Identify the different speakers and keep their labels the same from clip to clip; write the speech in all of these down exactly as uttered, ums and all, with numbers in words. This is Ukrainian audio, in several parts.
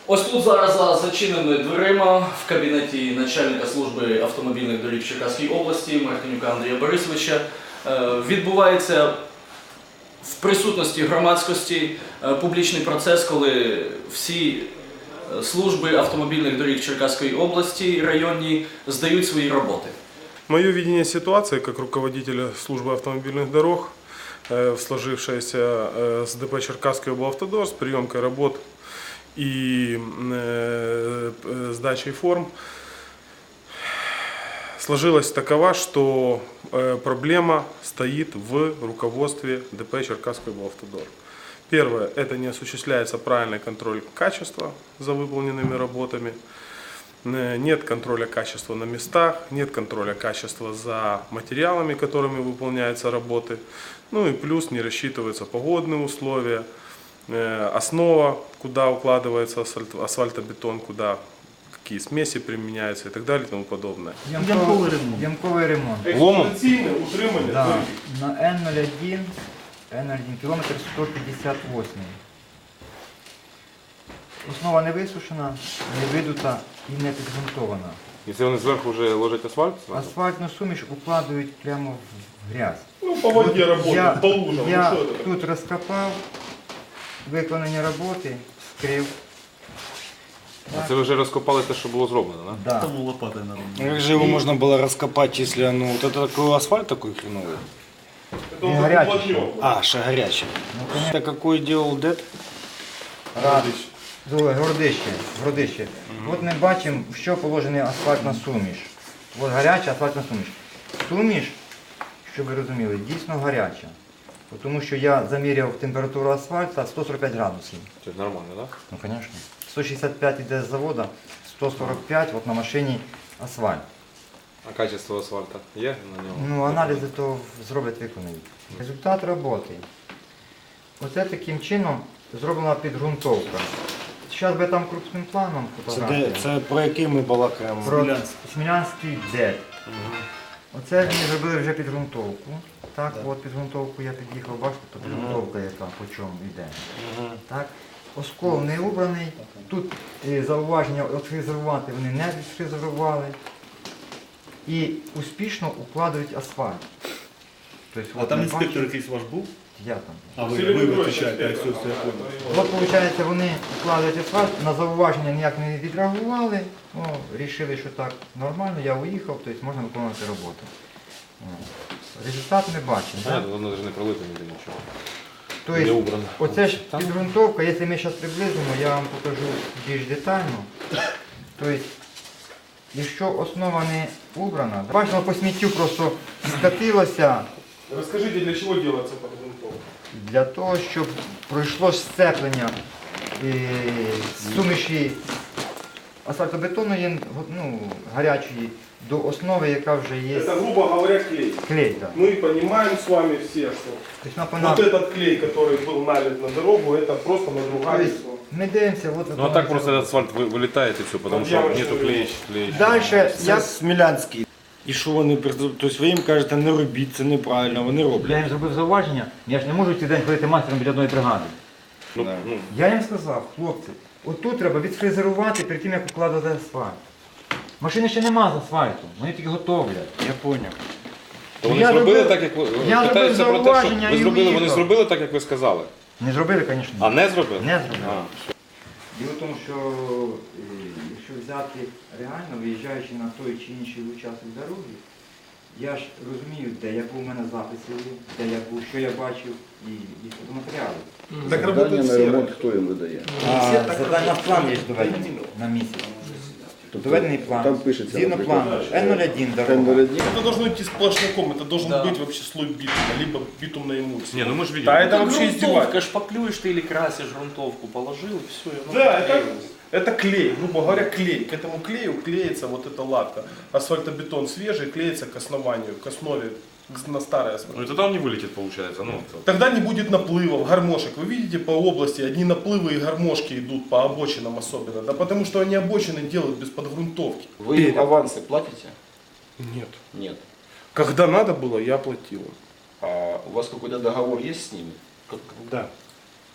Speaker 1: Ось тут зараз за зачиненими дверима в кабінеті начальника служби автомобільних доріг Черкаської області Мартинюка Андрія Борисовича відбувається в присутності громадськості публічний процес, коли всі служби автомобільних доріг Черкаської области районні сдають свої роботи.
Speaker 2: Мое видение ситуации как руководителя службы автомобильных дорог в сложившейся с ДП Черкасский облавтодор с приемкой работ и сдачей форм сложилась такова, что проблема стоит в руководстве ДП Черкасский облавтодор. Первое, это не осуществляется правильный контроль качества за выполненными работами. Нет контроля качества на местах, нет контроля качества за материалами, которыми выполняются работы. Ну и плюс не рассчитываются погодные условия, основа, куда укладывается асфальт, асфальтобетон, куда какие смеси применяются и так далее и тому подобное.
Speaker 3: Ямковий ремонт. Ямковий ремонт.
Speaker 2: Експлуатаційне утримання.
Speaker 3: Да. На Н нуль один, Н нуль один, кілометр сто п'ятдесят вісім. Основа не висушена, не видута і не підґрунтована.
Speaker 4: І це вони зверху вже ложать асфальт? Зразу?
Speaker 3: Асфальтну суміш укладають прямо в грязь.
Speaker 2: Ну, по воді
Speaker 3: От я,
Speaker 2: роботи, по лужам.
Speaker 3: я
Speaker 2: Ну, що це?
Speaker 3: тут розкопав, виконані роботи, скрив.
Speaker 4: А це ви вже розкопали те, що було зроблено, так?
Speaker 3: Да.
Speaker 5: Тому лопатой надо.
Speaker 6: Ну, как же его можно было раскопать, если ну, вот это такой асфальт такой хреновый?
Speaker 2: Це
Speaker 3: Не гарячий.
Speaker 2: уплотнен.
Speaker 6: А, ще горячий.
Speaker 3: Ну,
Speaker 6: Это какой делал ДЭТ?
Speaker 3: Рад. Городище. Городище. От ми бачимо, в що положена асфальтна суміш. От гаряча асфальтна суміш. Суміш, щоб ви розуміли, дійсно гаряча. Тому що я заміряв температуру асфальту сто сорок п'ять градусів.
Speaker 4: Це нормально, так?
Speaker 3: Ну, звісно. сто шістдесят п'ять йде з заводу, сто сорок п'ять от на машині асфальт.
Speaker 4: А качество асфальту є на ньому?
Speaker 3: Ну, аналізи то зроблять, виконають. Результат роботи. Оце таким чином зроблена підґрунтовка. Зараз би там крупним планом
Speaker 6: Це,
Speaker 3: фотографія.
Speaker 6: де, це про який ми балакаємо?
Speaker 3: Про Смілянський ДЕТ. Оце вони зробили вже підґрунтовку. Так, от підґрунтовку я під'їхав, бачите, то підґрунтовка яка по чому йде. Так. Оскол не убраний. Тут е, зауваження відфрезерувати вони не відфрезерували. І успішно укладають асфальт. Тобто,
Speaker 5: А
Speaker 3: от
Speaker 5: там
Speaker 3: ми
Speaker 5: інспектор
Speaker 3: бачимо-
Speaker 5: якийсь ваш був?
Speaker 3: Я там.
Speaker 5: А ви,
Speaker 2: Сергій
Speaker 5: ви
Speaker 2: Петрович,
Speaker 5: витрачаєте, як все,
Speaker 2: інспектор.
Speaker 5: все, я понял.
Speaker 3: От, виходить, вони укладають асфальт, на зауваження ніяк не відреагували, ну, вирішили, що так нормально, я уїхав, тобто можна виконувати роботу. О. Результат ми бачимо.
Speaker 4: Так,
Speaker 3: Так?
Speaker 4: воно навіть не пролито ніде нічого. Не
Speaker 3: Тобто,
Speaker 4: убрано.
Speaker 3: оце ж підґрунтовка, якщо ми зараз приблизимо, я вам покажу більш детально. Тобто, якщо основа не убрана, бачимо, по сміттю просто скатилося
Speaker 2: Розкажіть, для чого робиться підґрунтовка?
Speaker 3: для того, щоб пройшло сцеплення е, суміші асфальтобетонної, ну, гарячої, до основи, яка вже є
Speaker 2: Это, грубо говоря, клей.
Speaker 3: клей. Да.
Speaker 2: Мы понимаем с вами все, что
Speaker 3: Тобто, вона-
Speaker 2: вот этот клей, который был налит на дорогу, это просто надругательство.
Speaker 3: тобто, ми дивимося, от
Speaker 4: Ну а так просто этот асфальт вы- вылетает и все, потому
Speaker 2: Ну,
Speaker 4: что
Speaker 2: я
Speaker 4: нету
Speaker 2: вообще
Speaker 4: клея. клея.
Speaker 3: Далі,
Speaker 6: Це
Speaker 3: я,
Speaker 6: Смілянський. І що вони, тобто ви їм кажете, не робіть, це неправильно, вони
Speaker 3: я
Speaker 6: роблять.
Speaker 3: їм зробив зауваження, я ж не можу цей день ходити майстером біля одної бригади.
Speaker 4: Ну, ну,
Speaker 3: Я їм сказав, хлопці, отут треба відфрезерувати перед тим, як укладати асфальт. Машини ще нема з асфальту, вони тільки готовлять.
Speaker 6: Я зрозумів.
Speaker 4: то вони
Speaker 3: Я
Speaker 4: зробили
Speaker 3: робив-
Speaker 4: так, як ви
Speaker 3: я
Speaker 4: питаються
Speaker 3: робив
Speaker 4: про те, що
Speaker 3: зауваження
Speaker 4: ви
Speaker 3: і
Speaker 4: зробили, вони
Speaker 3: уїхав.
Speaker 4: зробили так, як ви сказали.
Speaker 3: Не зробили, звісно.
Speaker 4: А не зробили?
Speaker 3: Не зробили.
Speaker 4: А.
Speaker 3: Діло в тому, що е, якщо взяти реально, виїжджаючи на той чи інший участок дороги, я ж розумію, де я був, у мене записи є, де я був, що я бачив і, і фотоматеріали.
Speaker 2: Так
Speaker 7: Завдання
Speaker 2: работает
Speaker 7: на
Speaker 2: все.
Speaker 7: ремонт хто їм видає?
Speaker 3: А, задання план є доведений на місяць. Доведений план.
Speaker 7: Там пишеться,
Speaker 3: Згідно
Speaker 7: наприклад,
Speaker 3: плану. Н нуль один
Speaker 7: Н нуль
Speaker 3: дорога.
Speaker 7: один.
Speaker 2: Это должно идти сплошняком, это должен
Speaker 1: Да.
Speaker 2: быть вообще слой битума, либо битумная эмульсия.
Speaker 4: Не, ну мы же видели.
Speaker 2: Да, это
Speaker 1: Это
Speaker 2: вообще
Speaker 1: грунтовка,
Speaker 2: издевательство.
Speaker 1: шпаклюешь ты или красишь грунтовку, положил и все.
Speaker 2: Да, это, это клей, грубо говоря, клей. К этому клею клеится вот эта латка. Асфальтобетон свежий клеится к основанию, к основе, к- на старый асфальт.
Speaker 4: Ну и тогда он не вылетит, получается. Ну, это-
Speaker 2: Тогда не будет наплывов, гармошек. Вы видите по области, одни наплывы и гармошки идут по обочинам особенно. Да потому что они обочины делают без подгрунтовки.
Speaker 7: Ви їм аванси платите?
Speaker 2: Нет.
Speaker 7: Нет.
Speaker 2: Когда надо было, я платил.
Speaker 7: А у вас какой-то договор есть с ними? Как-
Speaker 2: Да.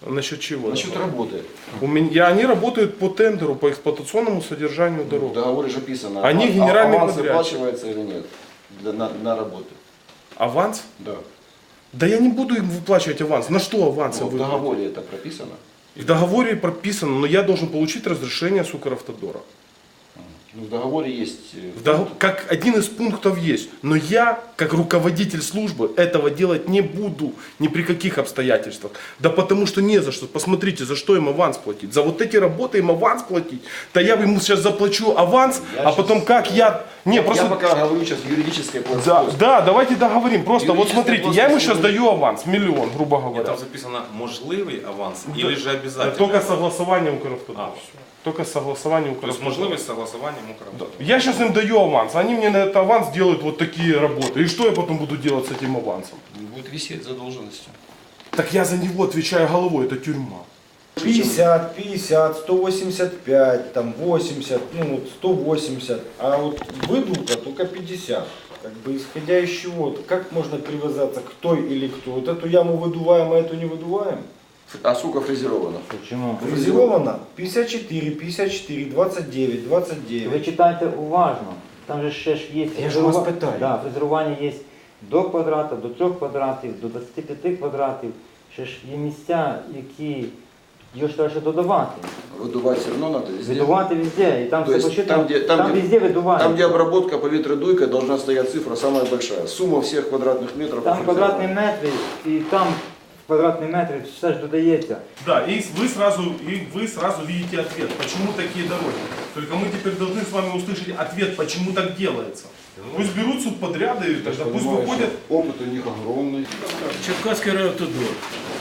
Speaker 2: Насчет чего?
Speaker 7: Насчет работы.
Speaker 2: У меня, они работают по тендеру, по эксплуатационному содержанию
Speaker 7: В
Speaker 2: дорог.
Speaker 7: договоре же описано,
Speaker 2: Они
Speaker 7: а-
Speaker 2: генеральный
Speaker 7: аванс
Speaker 2: подрядчик.
Speaker 7: выплачивается или нет для, на, на работу.
Speaker 2: Аванс?
Speaker 7: Да.
Speaker 2: Да я не буду им выплачивать аванс. На что аванс?
Speaker 7: Ну,
Speaker 2: я
Speaker 7: в
Speaker 2: выплачу?
Speaker 7: договоре это прописано.
Speaker 2: В договоре прописано, но я должен получить разрешение с Укравтодора.
Speaker 7: Ну, в договоре есть... э,
Speaker 2: В дог- Как один из пунктов есть. Но я, как руководитель службы, этого делать не буду ни при каких обстоятельствах. Да потому что не за что. Посмотрите, за что им аванс платить. За вот эти работы им аванс платить. Да я ему сейчас заплачу аванс,
Speaker 7: Я
Speaker 2: а потом
Speaker 7: щас-
Speaker 2: как я... Не,
Speaker 7: Я
Speaker 2: просто...
Speaker 7: пока говорю сейчас юридическое
Speaker 2: Да,
Speaker 7: плоскость.
Speaker 2: да, давайте договорим. Просто вот
Speaker 7: Юридическая
Speaker 2: смотрите, я ему
Speaker 7: плоскость
Speaker 2: сейчас
Speaker 7: не-
Speaker 2: даю аванс, миллион, грубо
Speaker 4: Ні,
Speaker 2: говоря.
Speaker 4: там записано можливий аванс, или же
Speaker 2: Э,
Speaker 4: обязательно.
Speaker 2: Только согласование Укравтодора.
Speaker 4: А, все.
Speaker 2: Только согласование
Speaker 4: То есть
Speaker 2: Укравтодора.
Speaker 4: можливість согласованием Укравтодора.
Speaker 2: Я сейчас им даю аванс, они мне на этот аванс делают вот такие работы. И что я потом буду делать с этим авансом?
Speaker 7: Будет висеть задолженностью.
Speaker 2: Так я за него отвечаю головой, это тюрьма.
Speaker 6: пятьдесят, пятьдесят, сто восемьдесят пять, там восемьдесят, ну вот сто восемьдесят, а вот выдумка только пятьдесят. Как бы исходя из чего, как можно привязаться к той или кто? Вот эту яму выдуваем, а эту не выдуваем?
Speaker 7: А сука фрезерована.
Speaker 3: Почему?
Speaker 6: Фрезеровано пятьдесят четыре, пятьдесят четыре, двадцать девять, двадцать
Speaker 3: Ви
Speaker 6: девять.
Speaker 3: читайте уважно. Там же ще ж є
Speaker 6: Я ж вас
Speaker 3: фрезерува-
Speaker 6: питаю.
Speaker 3: Да, фрезерування є до квадрата, до трьох квадратів, до двадцяти п'яти квадратів. Ще ж є місця, які його ж треба ще додавати.
Speaker 7: Выдувать все равно надо везде.
Speaker 3: Видувати везде. І там
Speaker 7: То
Speaker 3: все
Speaker 7: есть
Speaker 3: посчитано.
Speaker 7: там, где, там,
Speaker 3: Там
Speaker 7: где,
Speaker 3: везде видувають.
Speaker 7: там, где обработка по ветродуйкой, должна стоять цифра самая большая. Сумма всех квадратных метров.
Speaker 3: Там
Speaker 7: по
Speaker 3: квадратні
Speaker 7: фрезерованию.
Speaker 3: метри, і там в квадратні метри все ж додається.
Speaker 2: Да, и вы сразу, и вы сразу видите ответ, почему такие дороги. Только мы теперь должны с вами услышать ответ, почему так делается. Пусть берут субподряды, тогда пусть
Speaker 7: Понимаешь,
Speaker 2: выходят.
Speaker 7: Опыт у них огромный.
Speaker 5: Черкаський райавтодор.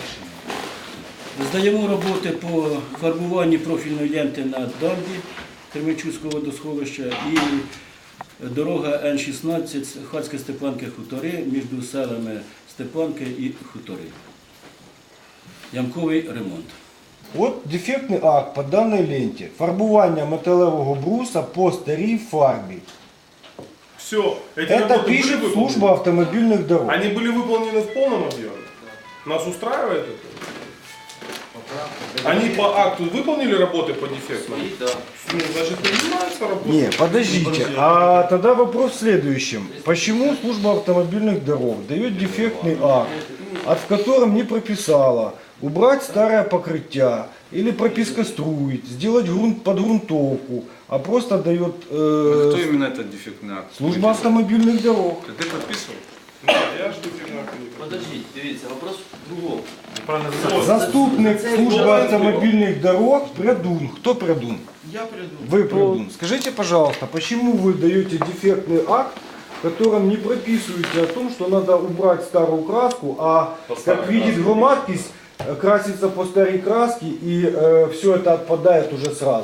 Speaker 5: Здаємо роботи по фарбуванню профільної ленти на дамбі Кременчуцького водосховища і дорога Н шістнадцять Хацьке Степанки Хутори між селами Степанки і Хутори. Ямковий ремонт.
Speaker 6: Вот дефектний акт по даній ленті. Фарбування металевого бруса по старій фарбі.
Speaker 2: Все, эти
Speaker 6: Это
Speaker 2: работы были
Speaker 6: пишет
Speaker 2: выполнены?
Speaker 6: служба автомобильных дорог.
Speaker 2: Они были выполнены в полном объеме? Нас устраивает это? Они по акту выполнили работы по дефектам?
Speaker 1: Да.
Speaker 2: Ну, значит, не занимаются работой.
Speaker 6: Не, подождите. А тогда вопрос в следующем. Почему служба автомобильных дорог дает дефектный акт, от в котором не прописала убрать старое покрытие или пропискоструить, сделать грунт под грунтовку, а просто дает э,
Speaker 4: Хто іменно этот дефектний акт?
Speaker 6: служба автомобильных дорог?
Speaker 4: Ти підписував?
Speaker 2: Да, я жду фигня.
Speaker 1: Подождіть, дивіться, вопрос в другому.
Speaker 4: Неправильно
Speaker 6: Заступник службы автомобильных дорог Прядун. Кто Прядун?
Speaker 1: Я приду.
Speaker 6: Вы Прядун. Скажите, пожалуйста, почему вы даете дефектный акт, в котором не прописываете о том, что надо убрать старую краску, а как видит громадкись, э, красится по старой краске и все это отпадает уже сразу?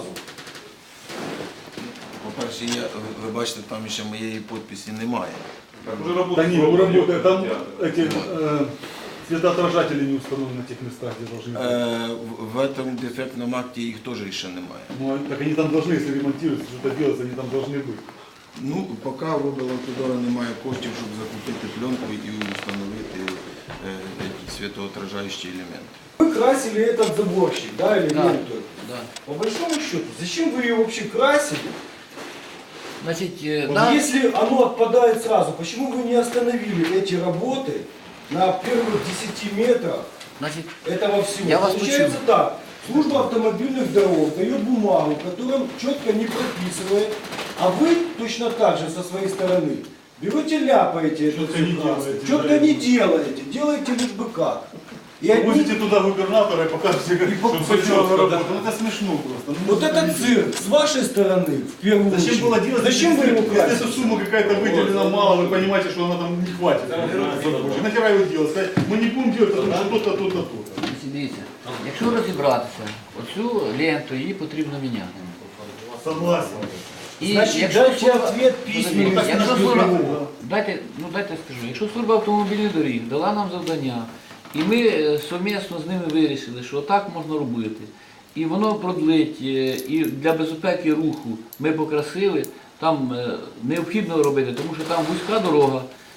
Speaker 8: По-перше, я, ви бачите, там ще моєї підписі немає.
Speaker 2: Уже работа.
Speaker 9: Да не, ну работает. Там эти э, светоотражатели не установлены на тех местах, где должны быть.
Speaker 8: Е, в, в этом дефектному акті їх теж ще немає.
Speaker 9: Ну, так они там должны, если ремонтируются, что-то делается, они там должны быть.
Speaker 8: Ну, поки в облавтодора немає коштів, щоб закупити пленку і встановити е, ці світоотражаючі елементи.
Speaker 6: Вы красили этот заборщик, да, или
Speaker 1: Да.
Speaker 6: ленту?
Speaker 1: Да.
Speaker 6: По большому счету, зачем вы ее вообще красили?
Speaker 1: Значить, е,
Speaker 6: Вот
Speaker 1: да,
Speaker 6: если оно отпадает сразу, почему вы не остановили эти работы на первых десяти метрах
Speaker 1: значить,
Speaker 6: этого всего?
Speaker 1: Я вас
Speaker 6: Получается
Speaker 1: почув.
Speaker 6: так, служба автомобильных дорог дает бумагу, в котором четко не прописывает, а вы точно так же со своей стороны берете, ляпаете эту
Speaker 9: Четко не
Speaker 6: всю краску.
Speaker 9: делаете,
Speaker 6: Четко
Speaker 9: да.
Speaker 6: не делаете, делаете лишь бы как. И одни-
Speaker 9: Возите туда губернатора и покажете, как
Speaker 6: по-
Speaker 9: чтобы
Speaker 6: по-
Speaker 9: все четко
Speaker 6: по-
Speaker 9: работало. Ну, это смешно просто. Ну,
Speaker 6: Вот
Speaker 9: это
Speaker 6: этот
Speaker 9: не-
Speaker 6: цирк с вашей стороны, в первую
Speaker 9: Зачем
Speaker 6: очередь.
Speaker 9: было делать?
Speaker 6: Зачем вы
Speaker 9: если,
Speaker 6: его
Speaker 9: если
Speaker 6: красите?
Speaker 9: эта сумма какая-то выделена мало, вы понимаете, что она там не хватит. Нахера его делать? Сказать, мы не будем делать, потому что то-то, то-то, то-то.
Speaker 1: значить, дивіться, якщо розібратися, оцю ленту її потрібно міняти.
Speaker 9: Согласен.
Speaker 1: І
Speaker 6: Значит,
Speaker 1: якщо
Speaker 6: дайте
Speaker 1: служба-
Speaker 6: ответ письменный.
Speaker 1: Подождіть, якщо
Speaker 6: службе
Speaker 1: служба,
Speaker 6: дорог.
Speaker 1: дайте, ну дайте скажу, якщо служба автомобільних доріг дала нам завдання, і ми е, совмісно з ними вирішили, що так можна робити, і воно продлить, е, і для безпеки руху ми покрасили, там е, необхідно робити, тому що там вузька дорога,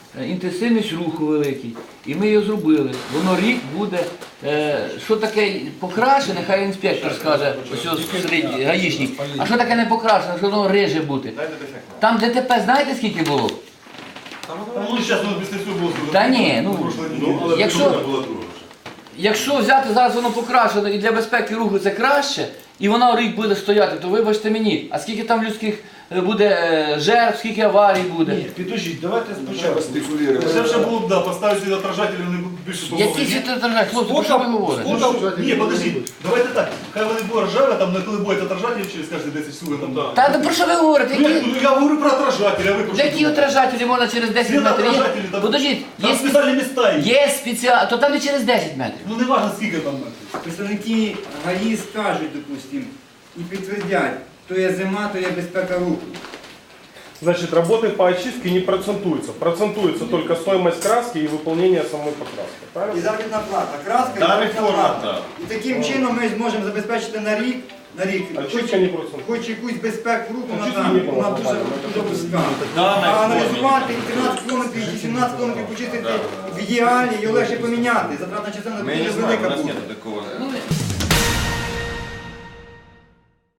Speaker 10: е, інтенсивність руху великий. І ми його зробили. Воно рік буде. Е, що таке покрашене, хай інспектор скаже, ось середній гаїшник. А що таке не покрашене, що воно риже бути? Там ДТП знаєте скільки було?
Speaker 9: Ну, зараз воно після цього було.
Speaker 10: Та ні, ну, якщо, якщо взяти зараз воно покрашено і для безпеки руху це краще, і воно рік буде стояти, то вибачте мені, а скільки там людських е, буде е, жертв, скільки аварій буде?
Speaker 6: Підождіть, давайте спочатку.
Speaker 9: Це вже було б, да, поставити отражателі, вони будуть більше
Speaker 10: Які ці держать? Хлопці, про що ви говорите?
Speaker 9: Ну, там, ні, подождіть, давайте так, хай вони будуть ржаві, там не коли будуть отражателі через кожні десять секунд. Там, да.
Speaker 10: Та ну, про що ви говорите?
Speaker 9: Ну,
Speaker 10: Які,
Speaker 9: ну, я говорю про отражателі, а ви про що
Speaker 10: які
Speaker 9: думаєте?
Speaker 10: отражателі можна через десять
Speaker 9: Світ
Speaker 10: метрів? Є-
Speaker 9: отражателі, там,
Speaker 10: Подождіть,
Speaker 9: там
Speaker 10: є,
Speaker 9: спеціальні міста є.
Speaker 10: є спеціально, то там не через десять метрів.
Speaker 9: Ну не важно скільки там метрів.
Speaker 3: Представники ГАІ скажуть, допустим, і підтвердять, то є зима, то є безпека руху.
Speaker 2: Значит, работы по очистке не процентуются. Процентуется только стоимость краски и выполнение самой покраски.
Speaker 3: І
Speaker 2: Правильно?
Speaker 3: заробітна плата, краска і
Speaker 9: Да,
Speaker 3: заробітна
Speaker 9: реформа,
Speaker 3: плата. І таким чином ми зможемо забезпечити на рік, на рік
Speaker 2: Очистка не процентується.
Speaker 3: хоч якусь безпеку руху на
Speaker 2: Очистки
Speaker 3: там,
Speaker 2: не було
Speaker 3: вона дуже,
Speaker 2: нормально.
Speaker 3: дуже вузька. А аналізувати і тринадцять кілометрів чи сімнадцять кілометрів почистити в ідеалі, його легше поміняти. Затратна частина дуже велика буде.
Speaker 10: Ну,